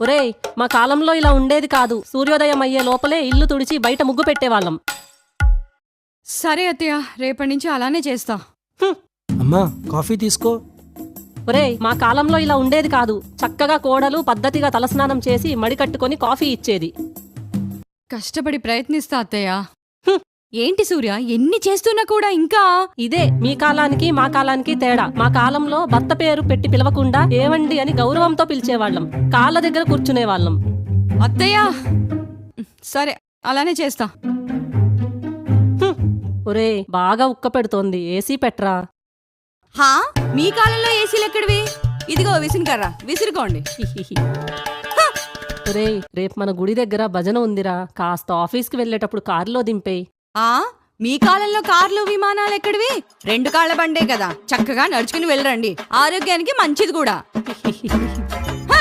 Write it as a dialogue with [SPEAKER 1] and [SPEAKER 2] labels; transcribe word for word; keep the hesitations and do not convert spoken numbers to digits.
[SPEAKER 1] ఒరేయ్, మా కాలంలో ఇలా ఉండేది కాదు. సూర్యోదయం అయ్యే లోపలే ఇల్లు తుడిచి బయట ముగ్గు పెట్టేవాళ్ళం.
[SPEAKER 2] సరే అత్తయ్య, రేపటి నుంచి అలానే చేస్తా.
[SPEAKER 3] అమ్మా కాఫీ తీసుకో.
[SPEAKER 1] ఒరేయ్, మా కాలంలో ఇలా ఉండేది కాదు. చక్కగా కోడలు పద్ధతిగా తలస్నానం చేసి మడి కట్టుకొని కాఫీ ఇచ్చేది.
[SPEAKER 2] కష్టపడి ప్రయత్నిస్తా అత్తయ్య. ఏంటి సూర్య, ఎన్ని చేస్తున్నా కూడా ఇంకా
[SPEAKER 1] ఇదే మీ కాలానికి మా కాలానికి తేడా. మా కాలంలో భర్త పేరు పెట్టి పిలవకుండా ఏవండి అని గౌరవంతో పిలిచేవాళ్ళం. కాళ్ళ దగ్గర కూర్చునేవాళ్ళం.
[SPEAKER 2] అత్తయ్య సరే అలానే చేస్తా.
[SPEAKER 1] ఒరేయ్, బాగా ఉక్క పెడుతోంది, ఏసీ పెట్రా.
[SPEAKER 2] హా, మీ కాలంలో ఏసీలు ఎక్కడివి? ఇదిగో విసురుకర్రా, విసురుకోండి.
[SPEAKER 1] హిహిహి. ఒరేయ్, రేపు మన గుడి దగ్గర భజన ఉందిరా. కాస్త ఆఫీస్కి వెళ్ళేటప్పుడు కారులో దింపేయ్.
[SPEAKER 2] ఆ మీ కాలంలో కార్లు విమానాలు ఎక్కడివి? రెండు కాళ్ల బండే కదా, చక్కగా నడుచుకుని వెళ్ళరండి, ఆరోగ్యానికి మంచిది కూడా.